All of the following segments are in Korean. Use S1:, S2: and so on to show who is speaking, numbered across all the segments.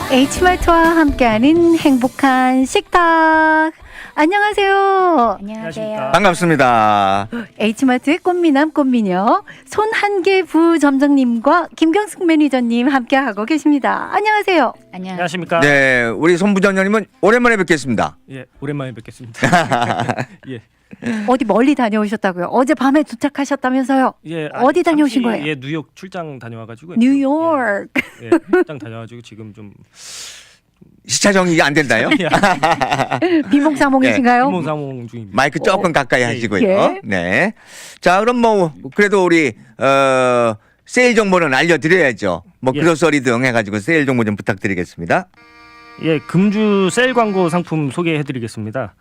S1: H마트와 함께하는 행복한 식탁. 안녕하세요.
S2: 안녕하세요.
S3: 반갑습니다.
S1: H마트의 꽃미남 꽃미녀 손한계 부점장님과 김경숙 매니저님 함께하고 계십니다. 안녕하세요.
S2: 안녕하십니까?
S3: 네, 우리 손 부장님은 오랜만에 뵙겠습니다.
S2: 예, 오랜만에 뵙겠습니다. 예,
S1: 어디 멀리 다녀오셨다고요? 어제 밤에 도착하셨다면서요?
S2: 예.
S1: 어디 다녀오신 거예요?
S2: 예, 뉴욕 출장 다녀와가지고.
S1: 뉴욕.
S2: 예, 출장 다녀와가지고 지금 좀
S3: 시차 정리가 안 된다요?
S1: 비몽사몽이신가요?
S2: 비몽사몽 중입니다.
S3: 마이크 조금 가까이 하시고요.
S1: 예.
S3: 네. 자, 그럼 뭐 그래도 우리 세일 정보는 알려드려야죠. 뭐
S2: 예.
S3: 그로서리 등 해가지고 세일 정보 좀 부탁드리겠습니다.
S2: 예, 금주 세일 광고 상품 소개해드리겠습니다.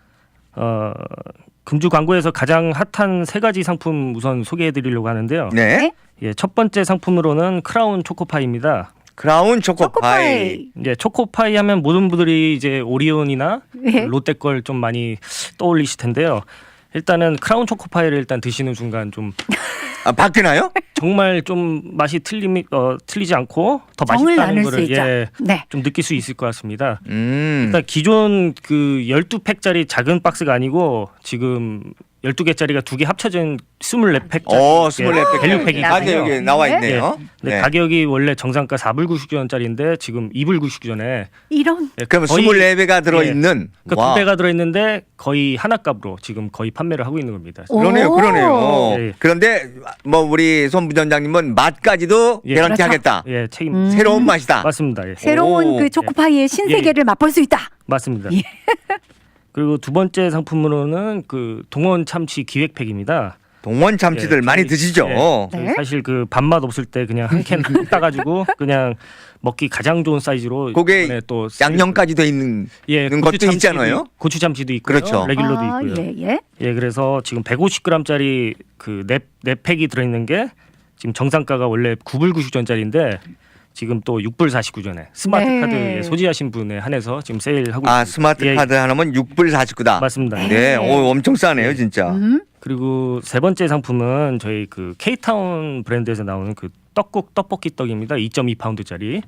S2: 금주 광고에서 가장 핫한 세 가지 상품 우선 소개해드리려고 하는데요.
S3: 네.
S2: 예, 첫 번째 상품으로는 크라운 초코파이입니다.
S3: 크라운 초코파이.
S2: 이제 초코파이 하면 모든 분들이 이제 오리온이나
S1: 예.
S2: 롯데 걸 좀 많이 떠올리실 텐데요. 일단은 크라운 초코파이를 일단 드시는 순간 좀
S3: 아, 바뀌나요?
S2: 정말 좀 맛이 틀리지 않고 더
S1: 정을
S2: 맛있다는
S1: 나눌 수
S2: 거를
S1: 있죠. 네.
S2: 좀 느낄 수 있을 것 같습니다.
S3: 음.
S2: 일단 기존 그 12팩짜리 작은 박스가 아니고 지금 12개짜리가 두 개 합쳐진 24팩짜리
S3: 오, 24팩.
S2: 밸류팩이
S3: 아, 네, 여기 나와 있네요.
S2: 네,
S3: 네.
S2: 가격이 원래 정상가 4불 99전짜리인데 지금 2불 99전에
S1: 이런
S3: 그럼 24배가 들어있는.
S2: 그러니까
S3: 와.
S2: 두 배가 들어있는데 거의 하나 값으로 지금 거의 판매를 하고 있는 겁니다.
S3: 그러네요,
S1: 오.
S3: 그러네요.
S2: 예.
S3: 그런데 뭐 우리 손 부장님은 맛까지도
S2: 예.
S3: 개런티
S1: 그렇죠.
S3: 하겠다.
S2: 예, 책임
S3: 새로운 맛이다.
S2: 맞습니다. 예.
S1: 새로운
S3: 오.
S1: 그 초코파이의 신세계를 맛볼 수 있다.
S2: 맞습니다.
S1: 예.
S2: 그리고 두 번째 상품으로는 그 동원 참치 기획팩입니다.
S3: 동원 참치들
S2: 예,
S3: 많이
S2: 저희-
S3: 드시죠.
S2: 예,
S1: 네.
S2: 사실 그 밥맛 없을 때 그냥 한 캔 따가지고 그냥 먹기 가장 좋은 사이즈로
S3: 그게
S2: 이번에 또
S3: 양념까지 돼 있는
S2: 예,
S3: 것도
S2: 고추 참치도
S3: 있잖아요.
S2: 고추 참치도 있고요.
S3: 그렇죠.
S2: 레귤러도
S1: 아,
S2: 있고요.
S1: 예, 예.
S2: 예, 그래서 지금 150g짜리 그 네 팩이 들어있는 게 지금 정상가가 원래 9불 99전짜리인데 지금 또 6불 49전에 스마트
S1: 네.
S2: 카드에 소지하신 분에 한해서 지금 세일하고
S3: 아,
S2: 있습니다.
S3: 스마트
S2: 예,
S3: 카드 하나면 6불 49다.
S2: 맞습니다.
S3: 네, 오, 엄청 싸네요, 진짜.
S2: 그리고 세 번째 상품은 저희 그 K타운 브랜드에서 나오는 그 떡볶이 떡입니다. 2.2파운드짜리.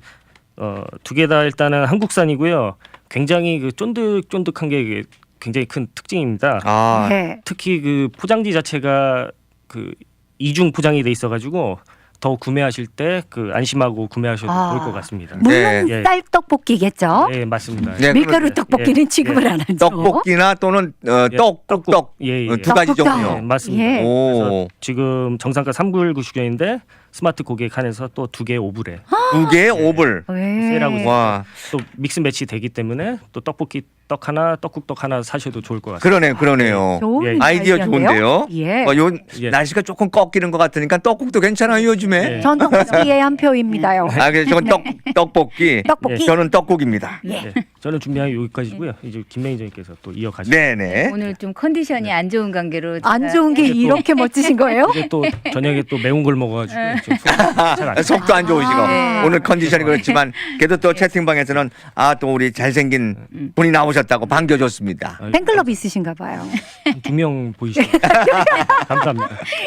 S2: 두 개 다 일단은 한국산이고요. 굉장히 그 쫀득쫀득한 게 굉장히 큰 특징입니다.
S3: 아,
S1: 네.
S2: 특히 그 포장지 자체가 그 이중 포장이 돼 있어가지고 더 구매하실 때 그 안심하고 구매하셔도
S1: 아.
S2: 좋을 것 같습니다.
S1: 물론
S2: 예.
S1: 쌀떡볶이겠죠.
S2: 네, 맞습니다.
S3: 네,
S1: 밀가루
S3: 그렇죠.
S1: 떡볶이는
S2: 예.
S1: 취급을 안 하죠.
S3: 떡볶이나 또는
S2: 예,
S3: 떡,
S2: 떡국.
S3: 떡.
S2: 예, 예.
S3: 두 가지
S1: 떡국떡.
S3: 종류.
S2: 네, 맞습니다.
S1: 예.
S2: 그래서
S3: 오,
S2: 지금 정상가 3불 90원인데 스마트 고객 한해서 또 두 개 5불에
S3: 두 개에 5불.
S1: 네.
S2: 세일하고 있습니다.
S3: 와,
S2: 또 믹스 매치 되기 때문에 또 떡볶이 떡 하나, 떡국 떡 하나 사셔도 좋을 것 같습니다.
S3: 그러네요, 그러네요.
S1: 좋은
S2: 예.
S3: 아이디어
S1: 아이디어인데요?
S3: 좋은데요.
S1: 예.
S3: 요
S2: 예.
S3: 날씨가 조금 꺾이는 것 같으니까 떡국도 괜찮아요, 요즘에.
S2: 예.
S1: 전 떡볶이의 한 표입니다요.
S3: 아, 그래서 저건 떡볶이.
S1: 떡볶이.
S3: 저는 떡국입니다.
S1: 예.
S2: 네, 저는 준비한 게 여기까지고요. 이제 김 매니저님께서 또 이어가시죠.
S3: 네네.
S4: 오늘 좀 컨디션이 안 좋은 관계로
S1: 안
S4: 제가
S1: 좋은 게
S2: 이게 또-
S1: 이렇게 멋지신 거예요?
S2: 이제 또 저녁에 또 매운 걸 먹어가지고 지금 잘안
S3: 속도 안 좋으시고
S4: 네.
S3: 오늘 컨디션이 그렇지만 그래도 또 채팅방에서는 아 또 우리 잘생긴 분이 나오셨다고 반겨줬습니다.
S1: 팬클럽 있으신가 봐요.
S2: 두명 보이시죠? 감사합니다.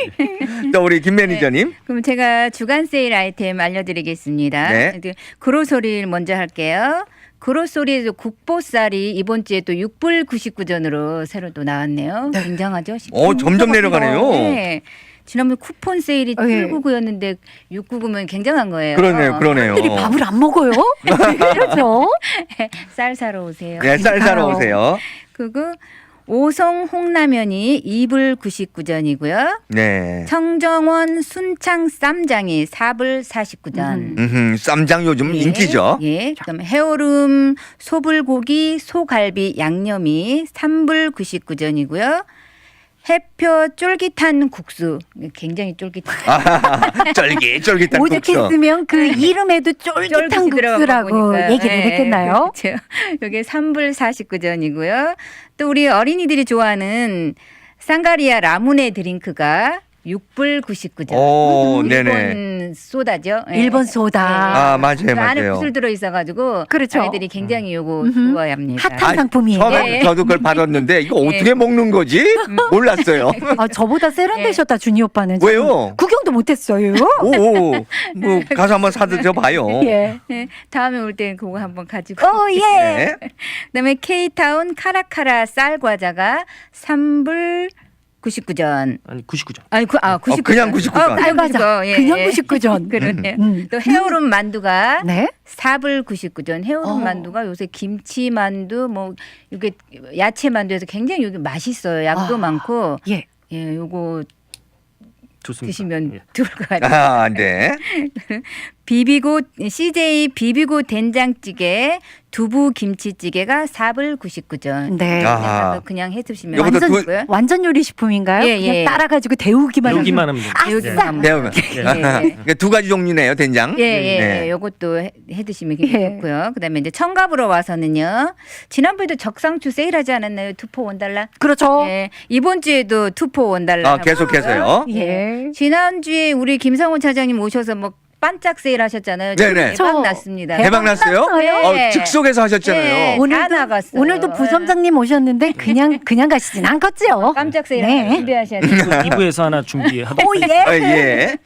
S3: 또 우리 김 매니저님.
S4: 그럼 제가 주간 세일 아이템 알려드리겠습니다.
S3: 네.
S4: 그로소리를 먼저 할게요. 그로소리에서 국보쌀이 이번 주에 또 6불 99전으로 새로 또 나왔네요. 굉장하죠?
S3: 점점 내려가네요.
S4: 네. 지난번 쿠폰 세일이
S1: 예.
S4: 799였는데 699면 굉장한 거예요.
S3: 그러네요, 그러네요.
S1: 사람들이 밥을 안 먹어요? 왜 그러죠?
S4: 쌀 사러 오세요.
S3: 네, 쌀 사러
S1: 그러니까요.
S3: 오세요.
S4: 그리고 오성 홍라면이 2불 99전이고요.
S3: 네.
S4: 청정원 순창 쌈장이 4불 49전.
S3: 쌈장 요즘 인기죠.
S4: 예. 그다음 해오름 소불고기 소갈비 양념이 3불 99전이고요. 해표 쫄깃한 국수 굉장히 쫄깃한
S3: 쫄깃쫄깃한 국수.
S1: 오죽했으면 그 이름에도 쫄깃한
S4: 쫄깃이 들어간 거
S1: 국수라고
S4: 보니까.
S1: 얘기를
S4: 예,
S1: 했겠나요?
S4: 그렇죠. 이게 3불 49전이고요. 또 우리 어린이들이 좋아하는 상가리아 라무네 드링크가 6불 99전.
S3: 오,
S4: 일본
S3: 네네.
S4: 소다죠. 예.
S1: 일본 소다.
S3: 아, 맞아요,
S4: 그 안에
S3: 맞아요.
S4: 구슬 들어 있어가지고
S1: 그렇죠.
S4: 아이들이 굉장히 요거 좋아합니다.
S1: 핫한 상품이에요.
S3: 처음에
S4: 예.
S3: 저도 그걸 받았는데 이거
S4: 예.
S3: 어떻게 먹는 거지? 몰랐어요.
S1: 아, 저보다 세련되셨다 준이 오빠는.
S3: 왜요?
S1: 구경도 못했어요.
S3: 오, 뭐 가서 한번 사드려 봐요.
S1: 예.
S4: 네, 다음에 올 때 그거 한번 가지고.
S1: 예.
S3: 네.
S4: 그다음에 K타운 카라카라 쌀 과자가 3불 99전.
S2: 아니 99점.
S4: 아니 99전.
S3: 그냥 99전.
S1: 쌀 과자. 그냥 99전.
S4: 그러네요.
S1: 음.
S4: 또 헤어룸 만두가
S1: 네.
S4: 4불 99전. 헤어룸 만두가 요새 김치 만두 뭐 이게 야채 만두에서 굉장히 여기 맛있어요. 양도
S1: 아.
S4: 많고.
S1: 예.
S4: 예, 요거
S2: 좋습니다.
S4: 드시면
S2: 예.
S4: 좋을 것 같아요.
S3: 아, 네.
S4: 비비고 CJ 비비고 된장찌개 두부 김치찌개가 4불 99전.
S1: 네.
S3: 아.
S4: 그냥 해 드시면
S3: 요것도
S4: 되고요.
S1: 완전 요리 식품인가요?
S4: 예,
S1: 그냥
S4: 예.
S1: 따라가지고 데우기만
S2: 여기만 하면 됩니다.
S4: 여기만 하면
S3: 배우면.
S4: 예, 예.
S3: 그러니까 두 가지 종류네요, 된장.
S4: 예, 예,
S3: 네.
S4: 요것도 해 드시면 굉장히
S1: 예.
S4: 좋고요. 그다음에 이제 청갑으로 와서는요. 지난번에도 적상추 세일하지 않았나요? 투포 원달러.
S1: 그렇죠.
S4: 예. 이번 주에도 투포 원달러.
S3: 아, 계속해서요.
S1: 예.
S4: 지난주에 우리 김성훈 차장님 오셔서 뭐 반짝 세일하셨잖아요.
S3: 네네.
S4: 대박 났습니다.
S3: 대박 났어요?
S4: 네.
S3: 즉석에서 하셨잖아요.
S4: 네. 다 나갔어요.
S1: 오늘도 부점장님 오셨는데 그냥 가시진 않겠지요.
S4: 깜짝 세일
S1: 네.
S4: 준비하셔야 돼요.
S2: 2부에서 하나 준비하도록
S1: 오 예.
S3: 아, 예.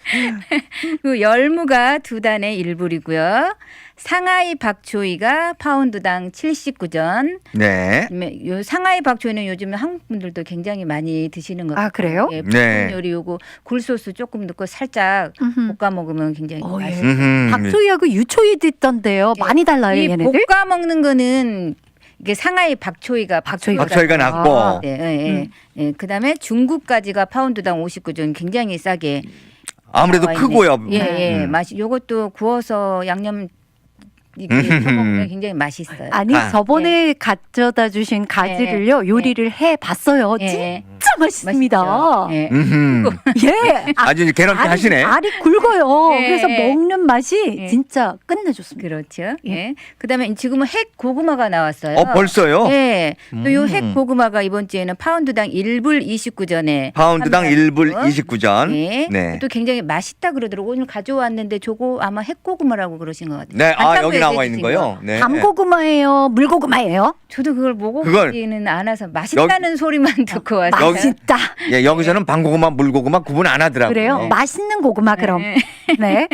S4: 그 열무가 2단에 1불이고요. 상하이 박초이가 파운드당 79전.
S3: 네.
S4: 그다음에 요 상하이 박초이는 요즘 한국 분들도 굉장히 많이 드시는 것 같아요.
S1: 아 그래요?
S4: 예,
S3: 네.
S4: 볶음 요리 요거 굴소스 조금 넣고 살짝
S1: 음흠.
S4: 볶아 먹으면 굉장히
S1: 어, 예.
S4: 맛있어요.
S3: 음흠.
S1: 박초이하고 유초이도 있던데요.
S4: 예.
S1: 많이 달라요,
S4: 이
S1: 얘네들.
S4: 볶아 먹는 거는 이게 상하이 박초이가
S3: 박초이가 낫고.
S4: 네, 예, 예. 예. 그다음에 중국까지가 파운드당 59전 굉장히 싸게
S3: 아무래도
S4: 나와 있네.
S3: 크고요.
S4: 예, 예.
S3: 음.
S4: 맛이 요것도 구워서 양념 이렇게 먹으면 굉장히 맛있어요.
S1: 아니
S3: 아.
S1: 저번에 가져다 주신 가지를요 요리를 해 봤어요.
S4: 예.
S1: 진짜 맛있습니다.
S4: 맛있죠? 예.
S3: 음흠.
S1: 예.
S3: 아주 이제 개런티 하시네.
S1: 알이 굵어요.
S4: 예,
S1: 그래서
S4: 예.
S1: 먹는 맛이
S4: 예.
S1: 진짜 끝내줬습니다.
S4: 그렇죠. 예. 그다음에 지금은 핵 고구마가 나왔어요.
S3: 벌써요?
S4: 예. 또 요
S3: 음.
S4: 핵 고구마가 이번 주에는 파운드당 1불 29전에
S3: 파운드당 1불 29전.
S4: 예.
S3: 네.
S4: 또 굉장히 맛있다 그러더라고. 오늘 가져왔는데 저거 아마 핵 고구마라고 그러신 것 같아요.
S3: 네, 아
S4: 반찬부에
S3: 여기 나와
S4: 해주신
S3: 있는 거요. 네.
S1: 밤고구마예요, 물고구마예요.
S4: 저도 그걸 먹어보지는 않아서 맛있다는 소리만 듣고 왔어요.
S3: 여기-
S1: 맛있다.
S3: 예, 여기서는 방고구마, 물고구마 구분 안 하더라고요.
S1: 그래요? 맛있는 고구마 그럼.
S4: 네.
S1: 네.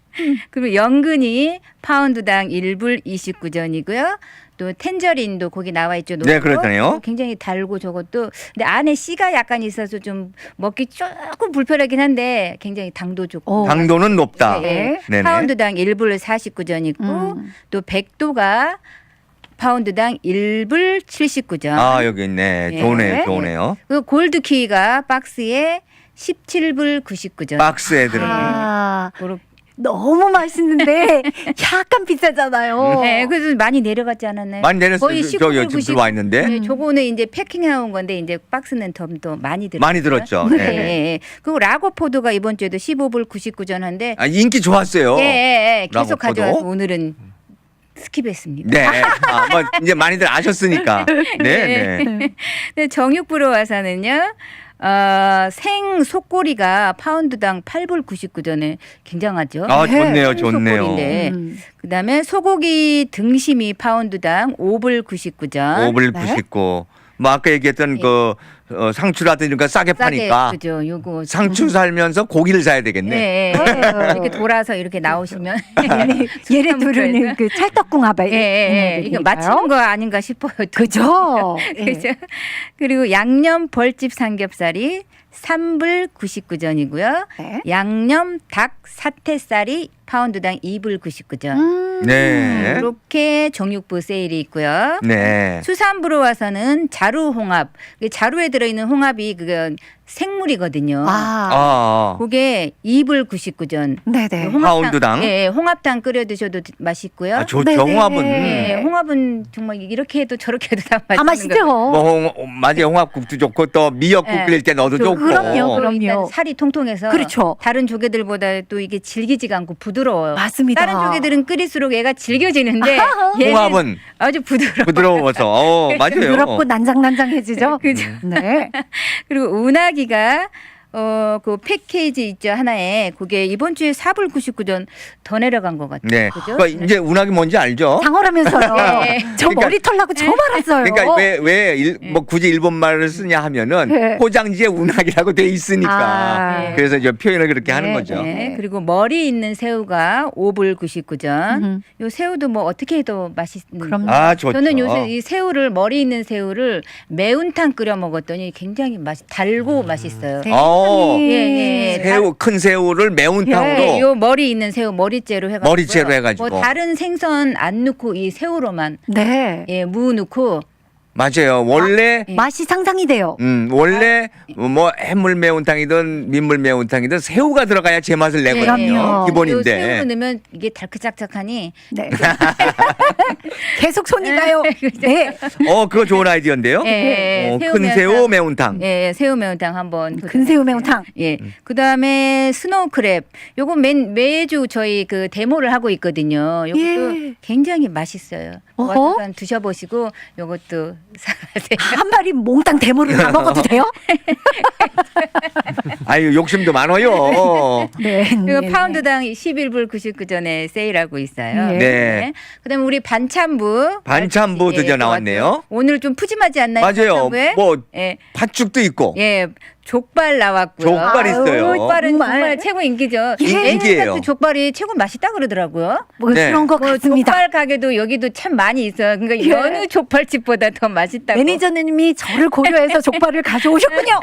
S4: 그리고 연근이 파운드당 1불 29전이고요. 또 텐저린도 거기 나와 있죠.
S3: 네,
S4: 녹고.
S3: 그렇다네요.
S4: 굉장히 달고 저것도 근데 안에 씨가 약간 있어서 좀 먹기 조금 불편하긴 한데 굉장히 당도 좋고.
S1: 오.
S3: 당도는 높다.
S4: 예.
S3: 네네.
S4: 파운드당 1불 49전 있고 또 백도가 파운드당 1불 79전.
S3: 아 여기 있네.
S4: 예.
S3: 좋네요, 좋네요.
S4: 그리고 골드키가 박스에 17불 99전.
S3: 박스에 들어있는.
S1: 아,
S4: 그렇-
S1: 너무 맛있는데 약간 비싸잖아요.
S4: 네, 그래서 많이 내려갔지 않았나요?
S3: 많이 내렸어요.
S4: 거의
S3: 저
S4: 19불,
S3: 지금 들어와 있는데
S4: 네, 저거는 이제 패킹해온 건데 이제 박스는 더 많이 들었어요.
S3: 많이 들었죠.
S4: 네.
S3: 네.
S4: 예. 그리고 라거포도가 이번 주에도 15불 99전 한데
S3: 아, 인기 좋았어요.
S4: 예, 예, 예. 계속
S3: 라거포도?
S4: 가져와서 오늘은 스킵했습니다.
S3: 네. 아, 뭐 이제 많이들 아셨으니까. 네, 네.
S4: 네, 정육부로 와서는요. 생 속꼬리가 파운드당 8불 99전에 굉장하죠.
S3: 아, 좋네요,
S4: 생
S3: 좋네요.
S4: 속꼬리인데 그다음에 소고기 등심이 파운드당 5불 99전.
S3: 5불
S1: 네.
S3: 99. 뭐 아까 얘기했던
S4: 예.
S3: 그 상추라든지 싸게
S4: 싸게
S3: 파니까
S4: 그죠. 요거
S3: 상추 살면서 고기를 사야 되겠네.
S4: 네, 예. 이렇게 돌아서 이렇게 나오시면
S1: 얘네 둘은 그 찰떡궁합에
S4: 예, 예, 예. 이거 맞추는 거 아닌가 싶어요.
S1: 그죠? 예.
S4: 그죠? 그리고 양념 벌집 삼겹살이 3불 99전이고요.
S1: 네.
S4: 양념 닭 사태살이 파운드당 2불 99전.
S3: 네.
S4: 이렇게 정육부 세일이 있고요.
S3: 네.
S4: 수산부로 와서는 자루 홍합. 자루에 들어있는 홍합이 그건 생물이거든요.
S1: 아,
S3: 아.
S4: 그게 2불 99전.
S1: 네네.
S3: 파운드당?
S4: 예, 홍합탕 끓여 드셔도 맛있고요.
S3: 아, 좋죠.
S1: 네네.
S3: 홍합은.
S4: 예, 홍합은 정말 이렇게 해도 저렇게 해도 다
S1: 다
S4: 맛있는
S1: 맛있죠.
S3: 뭐 맞아요. 홍합국도 좋고 또 미역국
S4: 예.
S3: 끓일 때 넣어도
S4: 저-
S3: 좋고.
S1: 그럼요, 그럼.
S4: 일단
S1: 그럼요.
S4: 살이 통통해서
S1: 그렇죠.
S4: 다른 조개들보다 또 이게 질기지가 않고 부드러워요.
S1: 맞습니다.
S4: 다른 조개들은 끓일수록 얘가 질겨지는데 얘는
S3: 홍합은
S4: 아주 부드러워.
S3: 부드러워서. 맞아요.
S1: 부드럽고 난장난장해지죠.
S4: 그죠.
S1: 네.
S4: 그리고 운하기가 그 패키지 있죠 하나에 그게 이번 주에 4불 99전 더 내려간 것 같아요.
S3: 네.
S4: 그죠?
S3: 그러니까 이제 운하기 뭔지 알죠?
S1: 장어라면서요.
S4: 네.
S1: 저
S3: 그러니까-
S1: 머리털 나고 저 말았어요.
S3: 그러니까 뭐 굳이 일본 말을 쓰냐 하면은
S1: 네.
S3: 포장지에 운하기라고 돼 있으니까
S1: 아.
S3: 그래서 이제 표현을 그렇게 하는
S1: 네,
S3: 거죠.
S4: 네. 그리고 머리 있는 새우가 5불 99전.
S1: 음.
S4: 요 새우도 뭐 어떻게 해도 맛있는.
S1: 그럼요.
S3: 아 좋죠.
S4: 저는 요새 이 새우를 머리 있는 새우를 매운탕 끓여 먹었더니 굉장히 달고 맛있어요.
S1: 네.
S3: 어.
S4: 예, 예.
S3: 새우 큰 새우를 매운탕으로
S4: 네, 요 머리 있는 새우 머리째로 해가지고
S3: 머리째로 해가지고.
S4: 뭐 다른 생선 안 넣고 이 새우로만
S1: 네.
S4: 무 넣고
S3: 맞아요. 원래
S4: 예.
S1: 맛이 상상이 돼요.
S3: 원래 뭐 해물 매운탕이든 민물 매운탕이든 새우가 들어가야 제맛을 내거든요.
S1: 그럼요.
S4: 요
S3: 기본인데.
S4: 새우를 넣으면 이게 달크짝짝하니
S1: 네. 계속 손이 가요. 네.
S3: 그거 좋은 아이디어인데요.
S4: 예,
S3: 큰 새우 매운탕.
S4: 예, 새우 매운탕 한번
S1: 근새우 매운탕.
S4: 예. 그다음에 스노우 크랩. 요거 매주 저희 그 데모를 하고 있거든요. 요것도
S1: 예.
S4: 굉장히 맛있어요.
S1: 어허.
S4: 와서 한번 드셔보시고 요것도 사가세요.
S1: 한 마리 몽땅 대모를 다 먹어도 돼요?
S3: 아유 욕심도 많아요.
S1: 네.
S4: 그리고
S1: 네.
S4: 파운드당 11불 99전에 세일하고 있어요.
S1: 네.
S3: 네.
S4: 그다음에 우리 반찬부.
S3: 반찬부 드디어 나왔네요.
S4: 오늘 좀 푸짐하지 않나요?
S3: 맞아요.
S4: 반찬부에?
S3: 뭐
S4: 예.
S3: 팥죽도 있고.
S4: 예. 족발 나왔고요.
S3: 족발 있어요.
S4: 족발은
S1: 정말.
S4: 정말 최고 인기죠.
S3: 인기예요.
S4: 예전부터 족발이 최고 맛있다 그러더라고요.
S1: 뭐
S3: 네.
S1: 그런 것
S4: 뭐
S1: 같습니다.
S4: 족발 가게도 여기도 참 많이 있어요. 그러니까
S1: 예.
S4: 여느 족발집보다 더 맛있다고.
S1: 매니저님이 저를 고려해서 족발을 가져오셨군요.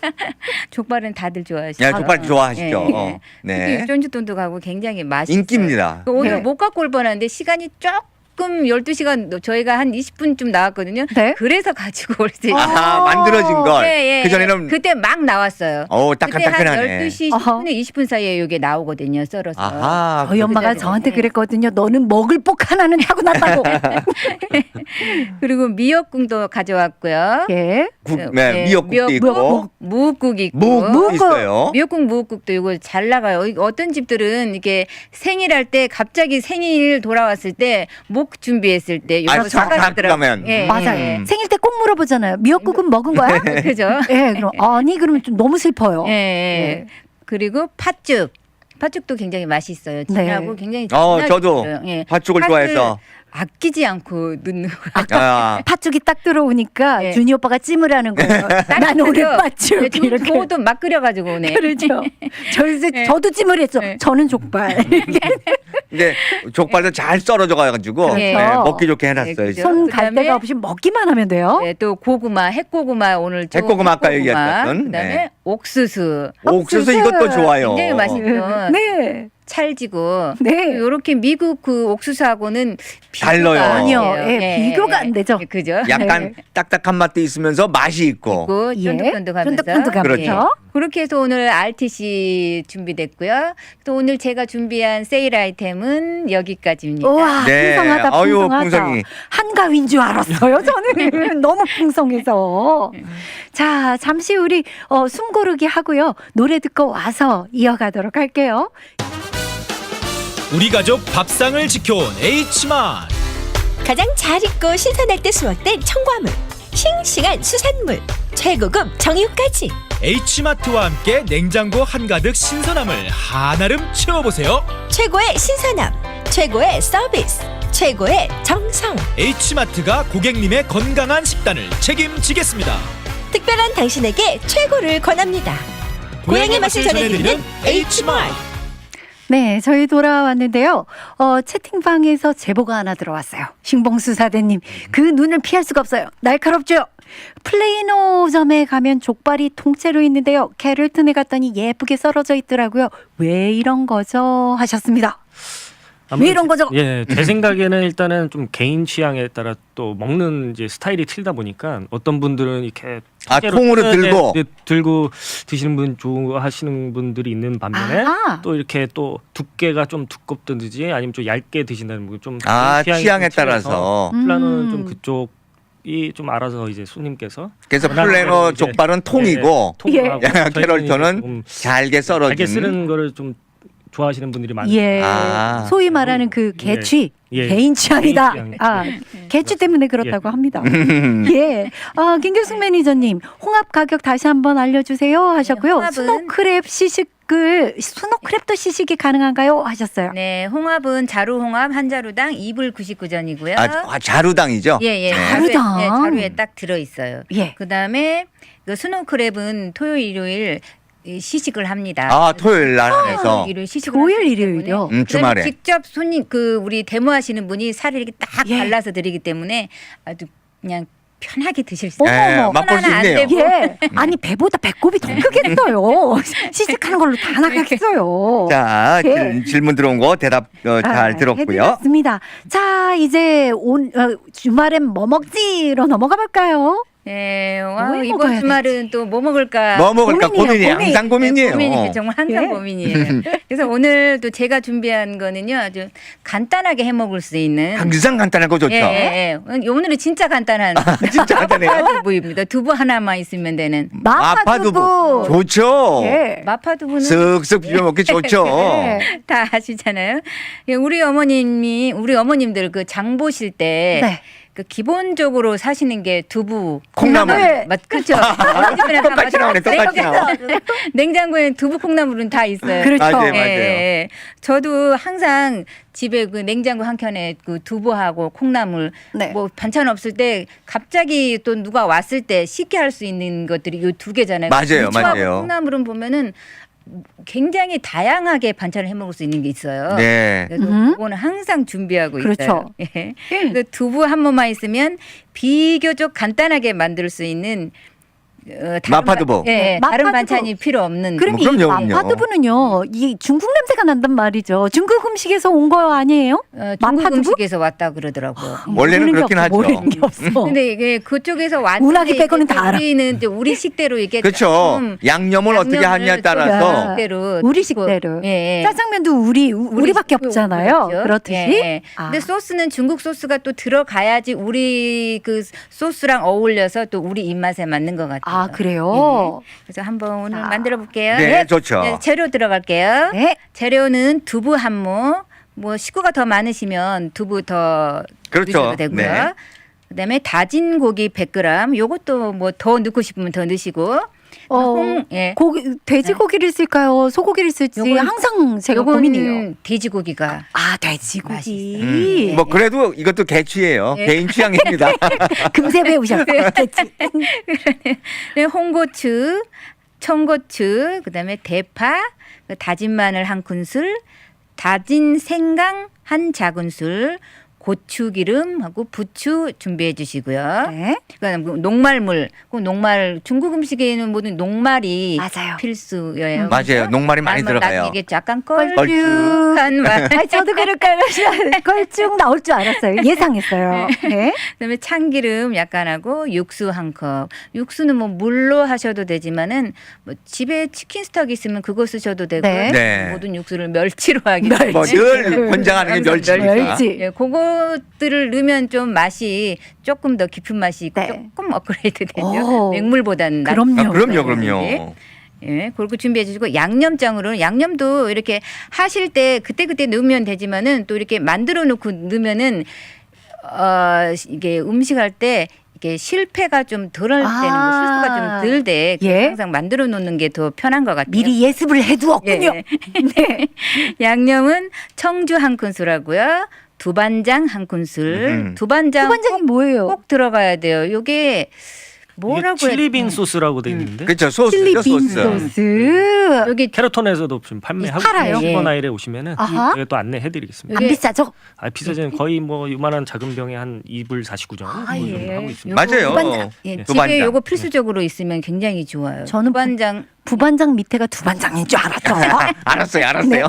S4: 족발은 다들 좋아하시죠.
S3: 야, 족발 좋아하시죠.
S4: 예, 예.
S3: 네.
S4: 특히 쫀주돈도 가고 굉장히 맛있어요.
S3: 인기입니다.
S4: 오늘
S1: 네.
S4: 못 갖고 올 뻔했는데 시간이 조금 12시간 저희가 한 20분쯤 나왔거든요.
S1: 네.
S4: 그래서 가지고 올지.
S3: 아하, 만들어진 걸. 그전에는
S4: 그때 막 나왔어요. 그때 한
S3: 따끈따끈하네.
S4: 12시
S1: 어허.
S4: 10분에 20분 사이에 이게 나오거든요. 썰어서.
S3: 아하.
S1: 저희 엄마가
S4: 그래가지고.
S1: 저한테
S4: 네.
S1: 그랬거든요. 너는 먹을 복 하나는 타고났다고.
S4: 그리고 미역국도 가져왔고요.
S1: 예.
S3: 네, 미역국도 있고.
S4: 무국 있고.
S3: 묵 있어요.
S4: 미역국 무국도 이거 잘 나가요. 어떤 집들은 이게 생일할 때 갑자기 생일 돌아왔을 때 목 준비했을 때 이거
S3: 아, 싹 가면.
S1: 맞아요. 생일 때 꼭 물어보잖아요. 미역국은 먹은 거야?
S4: 그죠?
S1: 예, 그럼 아니 그러면 좀 너무 슬퍼요.
S4: 예, 예. 그리고 팥죽. 팥죽도 굉장히 맛있어요. 진하고 굉장히 진하게
S3: 저도
S4: 있어요. 예.
S3: 팥죽을
S4: 팥을
S3: 좋아해서.
S4: 아끼지 않고 넣는 거.
S3: 아,
S1: 팥죽이 딱 들어오니까
S4: 네.
S1: 준이 오빠가 찜을 하는 거예요. 난 오늘 팥죽 이렇게.
S4: 저것도 막 끓여가지고 오네.
S1: 그렇죠. 저도 찜을 했죠.
S4: 네.
S1: 저는 족발.
S3: 근데 족발도 잘 썰어져 가지고
S1: 그렇죠.
S3: 네, 먹기 좋게 해놨어요.
S4: 네, 그죠.
S1: 손 갈
S4: 그다음에
S1: 데가 없이 먹기만 하면 돼요.
S4: 네, 또 고구마, 핵고구마 오늘 좀
S3: 핵고구마 아까 얘기했던,
S4: 그다음에
S3: 네.
S4: 옥수수.
S3: 옥수수 이것도 좋아요.
S4: 굉장히 맛있죠.
S1: 네.
S4: 찰지고.
S1: 네.
S4: 이렇게 미국 그 옥수수하고는
S3: 달라요.
S1: 아니요. 예, 비교가 안 되죠.
S4: 그죠?
S3: 약간 딱딱한 맛도 있으면서 맛이 있고.
S4: 있고
S1: 예.
S4: 쫀득쫀득하면서.
S1: 쫀득쫀득하면서.
S3: 그렇죠.
S4: 그렇게 해서 오늘 RTC 준비됐고요. 또 오늘 제가 준비한 세일 아이템은 여기까지입니다.
S1: 우와,
S3: 네.
S1: 풍성하다,
S3: 어유,
S1: 풍성하다.
S3: 풍성이.
S1: 한가위인 줄 알았어요, 저는. 너무 풍성해서. 자, 잠시 우리 숨 고르기 하고요. 노래 듣고 와서 이어가도록 할게요.
S5: 우리 가족 밥상을 지켜온 H마트.
S6: 가장 잘 익고 신선할 때 수확된 청과물, 싱싱한 수산물, 최고급 정육까지
S5: H마트와 함께 냉장고 한가득 신선함을 한아름 채워보세요.
S6: 최고의 신선함, 최고의 서비스, 최고의 정성.
S5: H마트가 고객님의 건강한 식단을 책임지겠습니다.
S6: 특별한 당신에게 최고를 권합니다. 고향의 맛을 전해드리는 H마트.
S1: 네, 저희 돌아왔는데요. 채팅방에서 제보가 하나 들어왔어요. 신봉수사대님, 그 눈을 피할 수가 없어요. 날카롭죠? 플레이노점에 가면 족발이 통째로 있는데요. 캐럴튼에 갔더니 예쁘게 썰어져 있더라고요. 왜 이런 거죠? 하셨습니다. 왜 이런 거죠?
S2: 예, 제 생각에는 일단은 좀 개인 취향에 따라 또 먹는 이제 스타일이 틀다 보니까 어떤 분들은 이렇게
S3: 아,
S2: 통째로
S3: 통으로 들고.
S2: 들고 드시는 분 좋아하시는 분들이 있는 반면에
S1: 아하.
S2: 또 이렇게 또 두께가 좀 두껍든지 아니면 좀 얇게 드신다는 분 좀
S3: 아,
S2: 취향이
S3: 취향에
S2: 좀 틀려서
S3: 따라서.
S2: 플라노는 좀 그쪽이 좀 알아서 이제 손님께서
S3: 그래서
S2: 워낙
S3: 플래너
S2: 이제
S3: 족발은 통이고
S2: 통하고
S1: 예.
S2: 저희는
S3: 캐럴턴은
S2: 좀
S3: 잘게 썰어진.
S2: 잘게 쓰는 거를 좀 좋아하시는 분들이 많아요.
S1: 예.
S3: 아.
S1: 소위 말하는 그 개취.
S2: 예.
S1: 개인 취향이다.
S2: 개인 취향.
S1: 아, 개취 때문에 그렇다고 합니다. 예. 김경숙 매니저님, 홍합 가격 다시 한번 알려주세요 하셨고요.
S4: 홍합은-
S1: 스노크랩 스노크랩도 시식이 가능한가요? 하셨어요.
S4: 네, 홍합은 자루 홍합 한 자루당 2불 99전이고요.
S3: 자루당이죠.
S4: 예, 예.
S1: 자루당.
S4: 자루에 딱 들어 있어요.
S1: 예.
S4: 그다음에 그 스노크랩은 토요일 일요일 시식을 합니다.
S3: 아, 토요일 날
S4: 네,
S3: 해서.
S4: 토요일 일요일 시식을
S1: 토요일
S4: 하기
S1: 일요일요?
S4: 때문에 그다음에
S3: 주말에.
S4: 직접 손님 우리 데모하시는 분이 살을 이렇게 딱
S1: 예.
S4: 발라서 드리기 때문에 아주 그냥 편하게 드실 수
S1: 어머,
S4: 있어요.
S1: 어머.
S3: 맛볼 수
S4: 손 하나 안
S3: 있네요.
S4: 대고.
S1: 예. 아니 배보다 배꼽이 더 크겠어요. 시식하는 걸로 다 나가겠어요.
S3: 자,
S1: 예.
S3: 질문 들어온 거 대답 잘 들었고요.
S1: 해드렸습니다. 자, 이제 주말엔 뭐 먹지로 넘어가 볼까요?
S4: 네,
S1: 뭐
S4: 와,
S1: 해
S4: 이번
S1: 먹어야
S4: 주말은 또 뭐 먹을까?
S3: 뭐 먹을까
S1: 고민이에요,
S3: 고민이에요.
S1: 고민.
S3: 항상 고민이에요.
S4: 고민이에요. 정말 항상
S1: 예.
S4: 고민이에요. 그래서 오늘 또 제가 준비한 거는요, 아주 간단하게 해 먹을 수 있는.
S3: 항상 간단한 거 좋죠.
S4: 예. 오늘은 진짜 간단한
S3: 진짜 간단해요.
S4: 두부입니다. 두부 하나만 있으면 되는.
S1: 마파두부.
S3: 좋죠.
S1: 예.
S4: 마파두부는
S3: 쓱쓱 비벼 먹기 좋죠.
S1: 예.
S4: 다 아시잖아요. 예, 우리 어머님들 그 장 보실 때.
S1: 네.
S4: 그 기본적으로 사시는 게 두부,
S3: 콩나물.
S4: 그렇죠.
S3: 똑같이 나오네, 똑같이 나와.
S4: 냉장고에 두부, 콩나물은 다 있어요.
S1: 그렇죠.
S3: 맞아요,
S4: 예,
S3: 맞아요.
S4: 예. 저도 항상 집에 그 냉장고 한 켠에 그 두부하고 콩나물
S1: 네.
S4: 뭐 반찬 없을 때 갑자기 또 누가 왔을 때 쉽게 할 수 있는 것들이 이 두 개잖아요.
S3: 맞아요,
S4: 부추하고
S3: 맞아요.
S4: 콩나물은 보면은 굉장히 다양하게 반찬을 해 먹을 수 있는 게 있어요.
S3: 네.
S4: 그래서
S1: 음.
S4: 그거는 항상 준비하고
S1: 그렇죠.
S4: 있어요. 예. 그래서 두부 한 번만 있으면 비교적 간단하게 만들 수 있는 다른
S3: 마파두부.
S4: 예,
S1: 마파두부.
S4: 다른 반찬이 필요 없는.
S1: 그럼 이
S3: 그럼요, 그럼요.
S1: 마파두부는요, 이 중국 냄새가 난단 말이죠. 중국 음식에서 온 거 아니에요?
S4: 중국
S1: 마파두부?
S4: 음식에서 왔다 그러더라고요.
S3: 원래는
S1: 모르는 게
S3: 그렇긴
S1: 없어,
S3: 하죠.
S1: 모르는 게 없어.
S4: 근데 이게 그쪽에서 왔는데
S1: 운하기 빼고는 다 알아.
S4: 우리는 또 우리 식대로 이게
S3: 그렇죠.
S4: 조금
S3: 양념을 어떻게 하냐에 따라서
S4: 식대로
S1: 우리 식대로.
S4: 예, 예.
S1: 짜장면도 우리밖에 없잖아요.
S4: 그렇죠.
S1: 그렇듯이.
S4: 예, 예.
S1: 아.
S4: 근데 소스는 중국 소스가 또 들어가야지 우리 그 소스랑 어울려서 또 우리 입맛에 맞는 것 같아요.
S1: 아, 그래요?
S4: 그래서 한번 오늘
S1: 자.
S4: 만들어 볼게요.
S3: 네, 좋죠.
S4: 네, 재료 들어갈게요.
S1: 네.
S4: 재료는 두부 한 모, 뭐 식구가 더 많으시면 두부 더
S3: 그렇죠.
S4: 넣으셔도 되고요.
S3: 네.
S4: 그다음에 다진 고기 100g. 요것도 뭐 더 넣고 싶으면 더 넣으시고. 예.
S1: 돼지고기를 쓸까요? 소고기를 쓸지
S4: 요건-
S1: 항상 제가
S4: 요건
S1: 고민이에요.
S4: 돼지고기가
S1: 아, 돼지고기.
S4: 맛있어요.
S3: 뭐 그래도 이것도 개취예요.
S4: 네.
S3: 개인 취향입니다.
S1: 금세 배우셨어요. 돼지.
S4: 네, 홍고추, 청고추, 그다음에 대파, 다진 마늘 한 큰술, 다진 생강 한 작은술, 고추기름하고 부추 준비해 주시고요.
S1: 네.
S4: 그다음 녹말물, 중국 음식에는 모든 녹말이
S1: 맞아요.
S4: 필수예요.
S3: 맞아요. 녹말이 많이 들어가요.
S4: 이게 약간
S1: 걸쭉.
S4: 걸쭉한 맛.
S1: 아니, 저도 그럴까요? 걸쭉 나올 줄 알았어요. 예상했어요. 네.
S4: 그다음에 참기름 약간 하고 육수 한 컵. 육수는 뭐 물로 하셔도 되지만은 뭐 집에 치킨 스톡 있으면 그거 쓰셔도 되고
S1: 네.
S3: 네.
S4: 모든 육수를 멸치로 하기
S3: 뭐 늘 권장하는 게 멸치니까.
S1: 멸치.
S4: 예, 그것들을 넣으면 좀 맛이 조금 더 깊은 맛이 있고
S1: 네.
S4: 조금 업그레이드 되죠.
S1: 오.
S4: 맹물보다는
S1: 그럼요.
S3: 아, 그럼요,
S4: 네.
S3: 그럼요.
S4: 예, 그렇게 준비해 주시고 양념장으로는 양념도 이렇게 하실 때 그때 넣으면 되지만은 또 이렇게 만들어 놓고 넣으면은 이게 음식할 때 이게 실패가 좀 덜할 때는
S1: 아.
S4: 실수가 좀 덜돼.
S1: 예.
S4: 항상 만들어 놓는 게 더 편한 것 같아요.
S1: 미리 예습을 해두었군요.
S4: 예.
S1: 네.
S4: 양념은 청주 한 큰술하고요. 두반장 한 큰술. 두반장
S1: 후반장이 뭐예요?
S4: 꼭 들어가야 돼요. 요게 뭐라고 해야
S2: 칠리빈 소스라고 돼 있는데
S3: 그렇죠. 소스죠,
S1: 칠리 빈
S3: 소스.
S1: 소스.
S4: 여기
S2: 캐러톤에서도 지금 판매하고
S1: 팔아요?
S2: 있는
S4: 예.
S2: 슈퍼나일에 오시면은
S1: 아하.
S2: 제가 또 안내해드리겠습니다.
S1: 안
S4: 이게-
S1: 비싸죠?
S2: 비싸지는 거의 뭐 요만한 작은 병에 한 2불 49전
S1: 아,
S2: 뭐
S1: 예.
S2: 하고 있습니다.
S3: 맞아요.
S1: 두반장.
S4: 예,
S2: 네.
S4: 집에
S3: 두반장.
S4: 요거 필수적으로 있으면 굉장히 좋아요.
S1: 저는
S4: 두반장
S1: 부반장 밑에가 두반장인 줄 알았죠.
S3: 알았어요.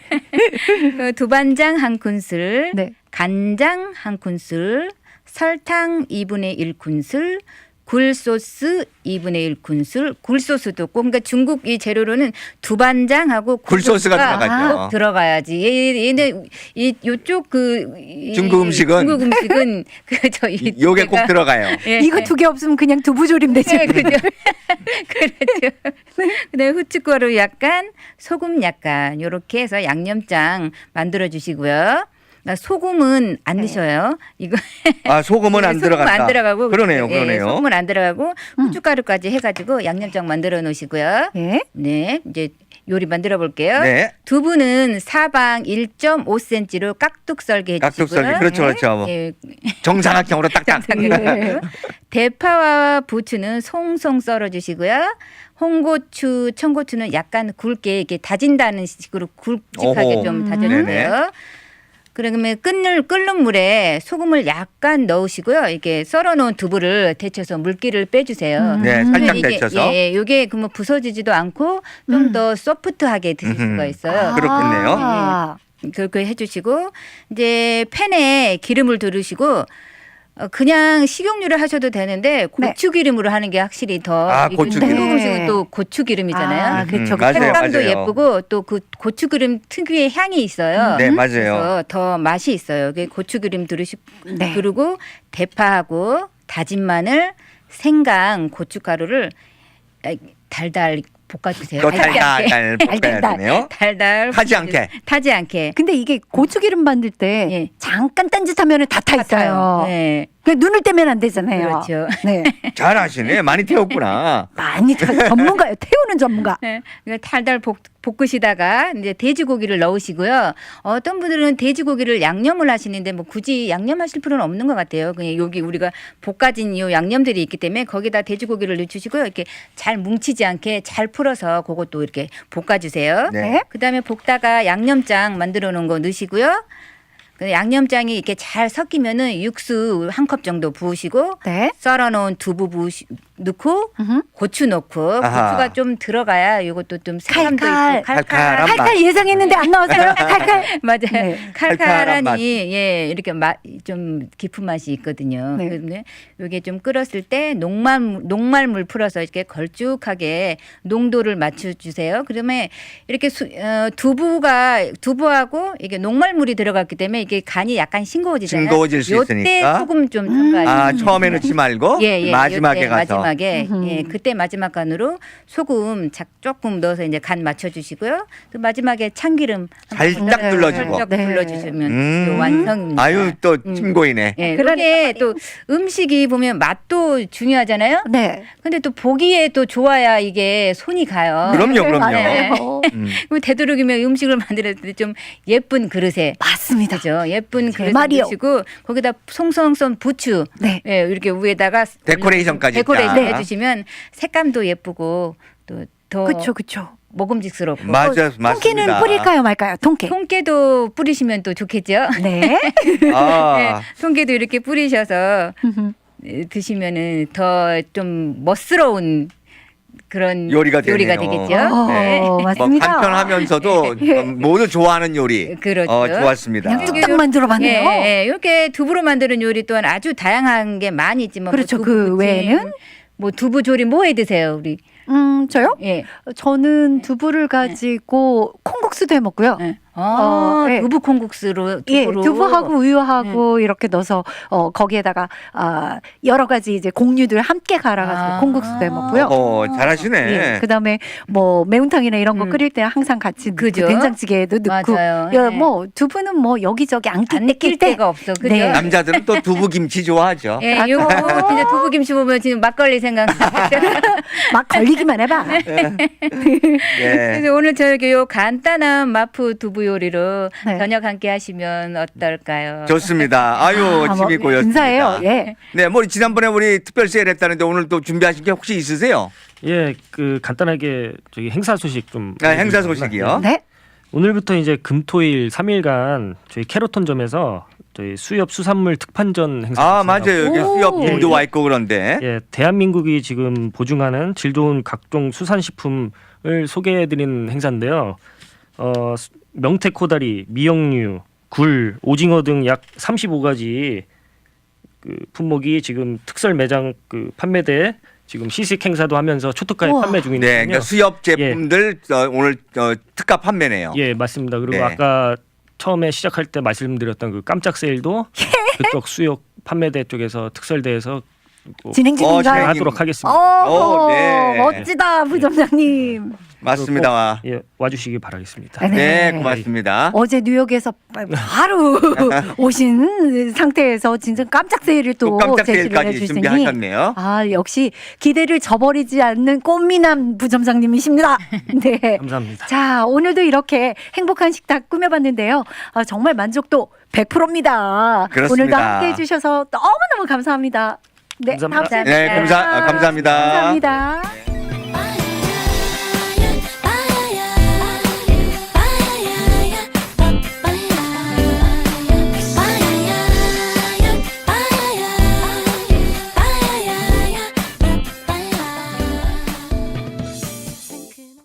S4: 두반장 한 큰술,
S1: 네.
S4: 간장 한 큰술, 설탕 2분의 1 큰술, 굴소스 2분의 1 군술, 굴소스도 꼭 그러니까 중국 이 재료로는 두반장하고
S3: 굴소스가 들어가죠.
S4: 꼭 들어가야지. 얘는 이 요쪽
S3: 중국 음식은
S4: 그 저희
S3: 요게 꼭 들어가요.
S4: 예.
S1: 이거 두 개 없으면 그냥 두부조림 되지.
S4: 네, 그죠. 그렇죠. 그다음에 후춧가루 약간, 소금 약간 요렇게 해서 양념장 만들어 주시고요. 그러니까 소금은 안 넣으셔요. 이거
S3: 아, 소금은 안
S4: 소금
S3: 들어갔다.
S4: 안 들어가고
S3: 그러네요,
S4: 예,
S3: 그러네요.
S4: 소금은 안 들어가고 후춧가루까지 해가지고 양념장 만들어 놓으시고요.
S1: 예.
S4: 네, 이제 요리 만들어 볼게요.
S3: 네.
S4: 두부는 사방 1.5cm로 깍둑 썰게 해주시고요.
S3: 깍둑 썰기. 그렇죠, 그렇죠.
S4: 예,
S3: 정사각형으로 딱딱.
S4: 네. 대파와 부추는 송송 썰어주시고요. 홍고추, 청고추는 약간 굵게 이렇게 다진다는 식으로 굵직하게
S3: 오호.
S4: 좀
S3: 네네.
S4: 다져주세요. 그러면 끓는 물에 소금을 약간 넣으시고요. 이렇게 썰어놓은 두부를 데쳐서 물기를 빼주세요.
S3: 네, 살짝
S4: 그러면 이게,
S3: 데쳐서.
S4: 예, 이게 그러면 부서지지도 않고 좀 더 소프트하게 드실 수가 있어요.
S3: 그렇겠네요.
S1: 아.
S4: 그렇게 해주시고 이제 팬에 기름을 두르시고 그냥 식용유를 하셔도 되는데 고추기름으로 하는 게 확실히 더
S3: 아,
S4: 이게
S3: 고추기름.
S4: 중국 음식은 또 고추기름이잖아요.
S1: 아, 그렇죠.
S3: 맞아요,
S4: 색감도
S3: 맞아요.
S4: 예쁘고 또 그 고추기름 특유의 향이 있어요.
S3: 네, 맞아요.
S4: 그래서 더 맛이 있어요. 고추기름
S1: 네.
S4: 두르고 대파하고 다진 마늘, 생강, 고춧가루를 달달 볶아주세요.
S3: 또 달달 볶아야
S1: 달달.
S3: 되네요.
S4: 달달
S3: 타지 않게.
S4: 타지 않게.
S1: 근데 이게 고추기름 만들 때
S4: 예.
S1: 잠깐 딴짓하면 다 타 있어요.
S4: 네.
S1: 그냥 눈을 떼면 안 되잖아요.
S4: 그렇죠.
S1: 네.
S3: 잘하시네. 많이 태웠구나.
S1: 많이 전문가요. 태우는 전문가.
S4: 네, 그러니까 달달 볶으시다가 이제 돼지고기를 넣으시고요. 어떤 분들은 돼지고기를 양념을 하시는데 뭐 굳이 양념하실 필요는 없는 것 같아요. 그냥 여기 우리가 볶아진 이 양념들이 있기 때문에 거기다 돼지고기를 넣으시고요. 이렇게 잘 뭉치지 않게 잘 풀어서 그것도 이렇게 볶아주세요.
S3: 네.
S4: 그다음에 볶다가 양념장 만들어 놓은 거 넣으시고요. 그 양념장이 이렇게 잘 섞이면은 육수 한 컵 정도 부으시고
S1: 네.
S4: 썰어놓은 두부 넣고 고추 넣고
S3: 아하.
S4: 고추가 좀 들어가야 이것도 좀 색감도
S1: 칼칼.
S4: 있고 칼칼.
S3: 칼칼한 맛.
S1: 칼칼 예상했는데 안 나왔어요. 칼칼.
S4: 맞아요.
S1: 네.
S3: 칼칼한 맛.
S4: 칼칼하니 예 이렇게 좀 깊은 맛이 있거든요.
S1: 네.
S4: 그런데 이게 좀 끓었을 때 녹말물 풀어서 이렇게 걸쭉하게 농도를 맞춰주세요. 그러면 이렇게 두부하고 이게 녹말물이 들어갔기 때문에 이게 간이 약간 싱거워지잖아요.
S3: 싱거워질 수
S4: 요때
S3: 있으니까.
S4: 소금 좀 첨가해.
S3: 아, 처음에 넣지 말고 마지막에
S4: 요때
S3: 가서.
S4: 마지막에 그때 마지막 간으로 소금 조금 넣어서 이제 간 맞춰주시고요. 또 마지막에 참기름
S3: 살짝 둘러주고.
S4: 살짝
S1: 네.
S4: 둘러주시면 요 완성입니다.
S3: 아유, 또 침고이네.
S4: 예,
S1: 그러니까
S4: 그게 또 음식이 보면 맛도 중요하잖아요.
S1: 네.
S4: 근데 또 보기에 또 좋아야 이게 손이 가요.
S3: 그럼요, 그럼요.
S1: 맞아요.
S4: 그럼 되도록이면 음식을 만들 때 좀 예쁜 그릇에
S1: 맞습니다.
S4: 그죠? 예쁜
S1: 제
S4: 그릇에
S1: 말이요.
S4: 넣으시고 거기다 송송송 부추
S1: 네.
S4: 예, 이렇게 위에다가
S3: 데코레이션까지
S4: 데코레이션
S3: 딱.
S4: 해주시면 색감도 예쁘고 또 더
S1: 그렇죠, 그렇죠.
S4: 먹음직스럽고
S3: 맞아,
S1: 통깨는
S3: 맞습니다.
S1: 뿌릴까요, 말까요? 통깨.
S4: 통깨도 뿌리시면 또 좋겠죠.
S1: 네.
S3: 아,
S4: 네, 통깨도 이렇게 뿌리셔서 드시면은 더 좀 멋스러운 그런
S3: 요리가 되네요.
S4: 되겠죠.
S1: 어,
S4: 네.
S1: 맞습니다.
S3: 뭐 간편하면서도 모두 좋아하는 요리.
S4: 그렇죠.
S3: 좋았습니다.
S1: 그냥 뚝딱 만들어봤네요.
S4: 예, 예. 이렇게 두부로 만드는 요리 또한 아주 다양한 게 많이 있지만
S1: 그렇죠.
S4: 뭐
S1: 그
S4: 두부찜,
S1: 외에는?
S4: 뭐 두부 조림 뭐 해 드세요, 우리?
S1: 저요?
S4: 예.
S1: 저는 두부를 가지고 콩국수도 해 먹고요.
S4: 예.
S1: 네.
S4: 두부 콩국수로
S1: 예,
S4: 두부로.
S1: 두부하고 우유하고 이렇게 넣어서 거기에다가 여러 가지 이제 곡류들 함께 갈아가지고 콩국수도 해 먹고요.
S3: 잘하시네.
S1: 예, 그다음에 뭐 매운탕이나 이런 거 끓일 때 항상 같이 넣고
S4: 그죠?
S1: 된장찌개에도 넣고
S4: 맞아요.
S1: 야,
S4: 예.
S1: 뭐 두부는 뭐 여기저기 안
S4: 안
S1: 낄
S4: 낄
S1: 때
S4: 데가 없어. 그죠?
S1: 네.
S3: 남자들은 또 두부김치 좋아하죠.
S4: 예, 요거 진짜 두부김치 보면 지금 막걸리 생각나요.
S1: 막 걸리기만 해봐.
S3: 예.
S4: 그래서 오늘 저기 요 간단한 마프 두부 요리로
S1: 네.
S4: 저녁 함께 하시면 어떨까요?
S3: 좋습니다. 아유, 침이 고였습니다.
S1: 인사해요. 예.
S3: 네, 뭐 지난번에 우리 특별 세일 했다는데 오늘 또 준비하신 게 혹시 있으세요?
S2: 예, 그 간단하게 저기 행사 소식 좀.
S3: 행사 소식이요.
S1: 네.
S2: 오늘부터 이제 금토일 3일간 저희 캐로톤점에서 저희 수협 수산물 특판전 행사.
S3: 아, 맞아요. 여기
S1: 오.
S3: 수협님도 와 있고 그런데.
S2: 예, 대한민국이 지금 보증하는 질 좋은 각종 수산식품을 소개해드리는 행사인데요. 명태 코다리, 미역류, 굴, 오징어 등 약 35가지 그 품목이 지금 특설 매장 그 판매대에 지금 시식 행사도 하면서 초특가에
S1: 우와.
S2: 판매
S3: 네,
S2: 중인데요.
S3: 그러니까 수협 제품들 오늘 특가 판매네요.
S2: 예, 맞습니다. 그리고
S3: 네.
S2: 아까 처음에 시작할 때 말씀드렸던 그 깜짝 세일도 그쪽 수협 판매대 쪽에서 특설대에서
S1: 진행 중인가요?
S3: 진행
S2: 하도록 하겠습니다.
S1: 오,
S3: 네.
S1: 멋지다 부점장님.
S3: 맞습니다.
S2: 예, 와주시기 바라겠습니다.
S3: 네, 고맙습니다.
S1: 어제 뉴욕에서 바로 오신 상태에서 진짜 깜짝 세일을 또
S3: 깜짝
S1: 제시를
S3: 세일까지
S1: 해주시니
S3: 준비하셨네요.
S1: 아 역시 기대를 저버리지 않는 꽃미남 부점장님이십니다. 네.
S2: 감사합니다.
S1: 자 오늘도 이렇게 행복한 식탁 꾸며봤는데요. 아, 정말 만족도 100%입니다.
S3: 그렇습니다.
S1: 오늘도 함께해 주셔서 너무너무 감사합니다. 네,
S2: 감사합니다.
S1: 다음 주에
S3: 네,
S1: 뵐게요.
S3: 감사합니다.
S1: 감사합니다.
S7: I